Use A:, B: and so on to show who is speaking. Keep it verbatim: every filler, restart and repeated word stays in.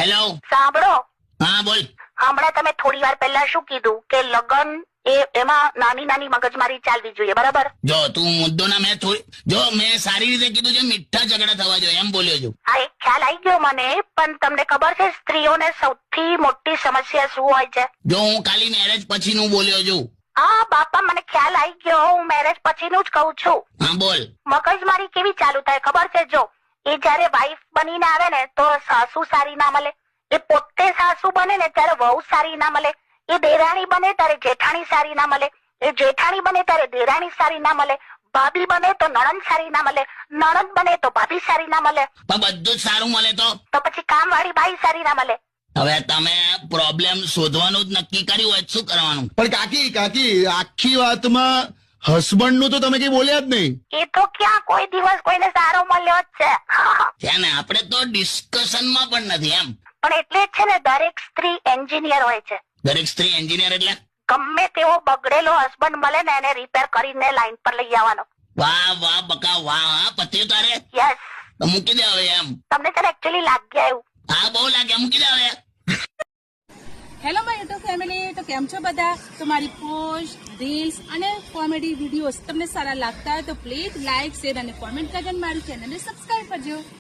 A: Hello,
B: સાંભળો,
A: હા બોલ.
B: હમણાં તમે થોડી વાર પહેલા શું કીધું કે લગન એ એમાં નાની નાની મગજમારી ચાલવી જોઈએ, બરાબર?
A: જો તું મુદ્દો ના મેં થોડી જો મેં સારી રીતે કીધું છે, મીઠા ઝઘડા થવા જોઈએ એમ બોલ્યો છું.
B: હા, એક ખ્યાલ આવી ગયો મને, પણ તમને ખબર છે સ્ત્રીઓને સૌથી મોટી સમસ્યા શું હોય છે?
A: જો હું ખાલી મેરેજ પછી નું બોલ્યો છું.
B: હા બાપા, મને ખ્યાલ આવી ગયો, હું મેરેજ પછીનું જ કહું છું.
A: હા બોલ.
B: મગજમારી કેવી ચાલુ થાય ખબર છે? જો એ જયારે વાઈફ બનીને આવે ને તો સાસુ સારી ના મળે, એ પોતે સાસુ બને ને ત્યારે વહુ સારી ના મળે, એ દેરાણી બને ત્યારે જેઠાણી સારી ના મળે, એ જેઠાણી બને ત્યારે દેરાણી સારી ના મળે, ભાભી બને તો નણંદ સારી ના મળે, નણંદ બને તો ભાભી સારી ના મળે,
A: પણ બધું જ સારું મળે તો
B: તો પછી કામ વાળી બાઈ સારી ના મળે.
A: હવે તમે પ્રોબ્લેમ શોધવાનું જ નક્કી કર્યું હોય શું કરવાનું?
C: પણ કાકી કાકી આખી વાતમાં હસબન્ડ નું તો તમે કઈ બોલ્યા જ નહીં.
B: એ તો ક્યાં કોઈ દિવસ કોઈને સારો મળ્યો જ છે.
A: છે ને, આપણે તો ડિસ્કશનમાં પણ નથી એમ.
B: પણ એટલે જ છે ને, દરેક સ્ત્રી એન્જિનિયર હોય છે.
A: દરેક સ્ત્રી એન્જિનિયર એટલે
B: ગમે તેવો બગડેલો હસબન્ડ મળે ને એને રિપેર કરીને લાઈન પર લઈ આવવાનો.
A: વાહ વાહ બકા વાહ. હા પત્યું તારે
B: યસ,
A: તો મૂકી દે હવે એમ.
B: તમને છે ને એકચ્યુઅલી લાગ્યા એવું.
A: હા બહુ લાગે, મૂકી દે હવે.
D: હેલો માય યુટ્યુબ ફેમિલી, તો કેમ છો બધા? તો મારી પોસ્ટ, રીલ્સ અને કોમેડી વિડીયોઝ તમને સારા લાગતા હોય તો પ્લીઝ લાઇક, શેર અને કોમેન્ટ કરીને મારી ચેનલને સબસ્ક્રાઇબ કરજો.